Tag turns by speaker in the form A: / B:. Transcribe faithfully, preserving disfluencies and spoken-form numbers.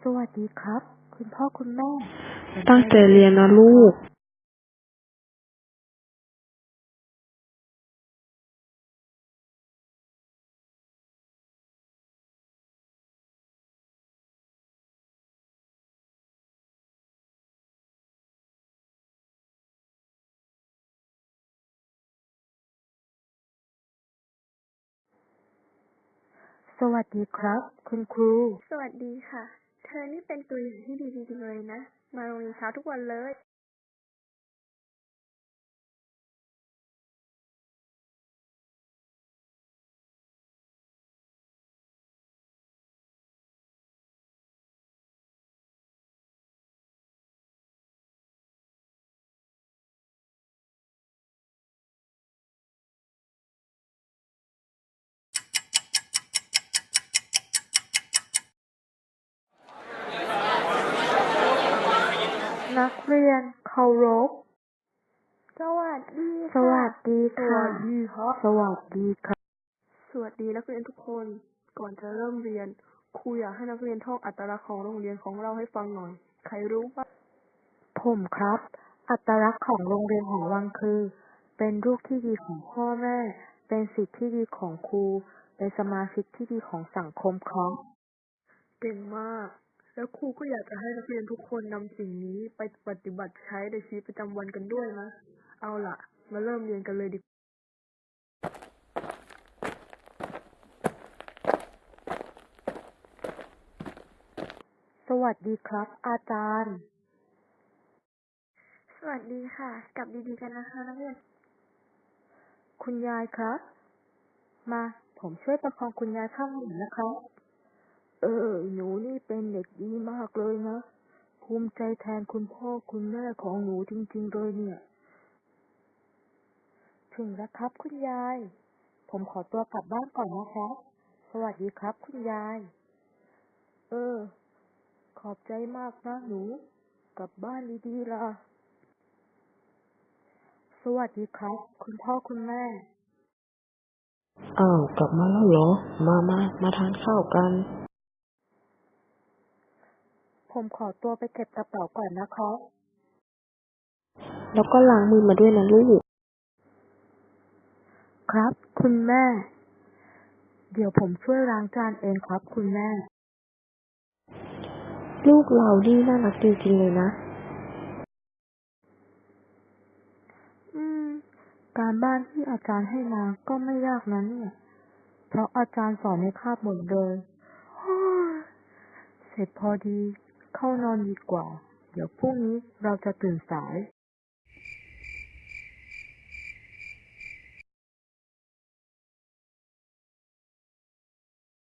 A: สวัสดีครับคุณพ่อคุณแม่
B: ตั้งใจเรียนนะลูก
A: สวัสดีครับคุณครู
C: สวัสดีค่ะ เธอนี่เป็นตัวอย่างที่ดีจริงๆเลยนะ มาโรงเรียนเช้าทุกวันเลย
A: นักเรียนเคารพ
C: สวัสดี
A: ส
C: ค่ะ
A: วัสดี
C: ส
A: ค่ะ
C: วัสดีครับ
A: สวัสดีครับ
C: สวัสดีนักเรียนทุกคน ก่อนจะเริ่มเรียน ครูอยากให้นักเรียนท่องอัตลักษณ์ของโรงเรียนของเราให้ฟังหน่อย ใครรู้บ้าง
A: ผมครับ อัตลักษณ์ของโรงเรียนหอวังคือ เป็นลูกที่ดีของพ่อแม่ เป็นศิษย์ที่ดีของครู เป็นสมาชิกที่ดีของสังคมครับ
C: เก่งมาก แล้วครูก็อยากจะให้นักเรียนทุกคนนำสิ่งนี้ไปปฏิบัติใช้ในชีวิตประจำวันกันด้วยนะ เอาล่ะ มาเริ่มเรียนกันเลยดีกว่า
A: สวัสดีครับ อาจารย์
C: สวัสดีค่ะ กลับดีๆกันนะคะนักเรียน
A: คุณยายครับ มาผมช่วยประคองคุณยายข้างหนึ่งนะครับเออหนูนี่เป็นเด็กดีมากเลยนะภูมิใจแทนคุณพ่อคุณแม่ของหนูจริงๆเลยเนี่ยถึงแล้วครับคุณยายผมขอตัวกลับบ้านก่อนนะครับสวัสดีครับคุณยายเออขอบใจมากนะหนูกลับบ้านดีๆล่ะสวัสดีครับคุณพ่อคุณแม่
B: อ้าวกลับมาแล้วเหรอ มามามาทานข้าวกัน
A: ผมขอตัวไปเก็บกระเป๋าก่อนนะครับ
B: แล้วก็ล้างมือมาด้วยนะลูก
A: ครับคุณแม่ เดี๋ยวผมช่วยล้างจานเองครับคุณแม่
B: ลูกเรานี่น่ารักจริงๆเลยนะ
A: อืม การบ้านที่อาจารย์ให้มาก็ไม่ยากนะเนี่ย เพราะอาจารย์สอนในคาบหมดเลยโอ้ยเสร็จพอดี เข้านอนดีกว่า เดี๋ยวพรุ่งนี้เราจะตื่นสาย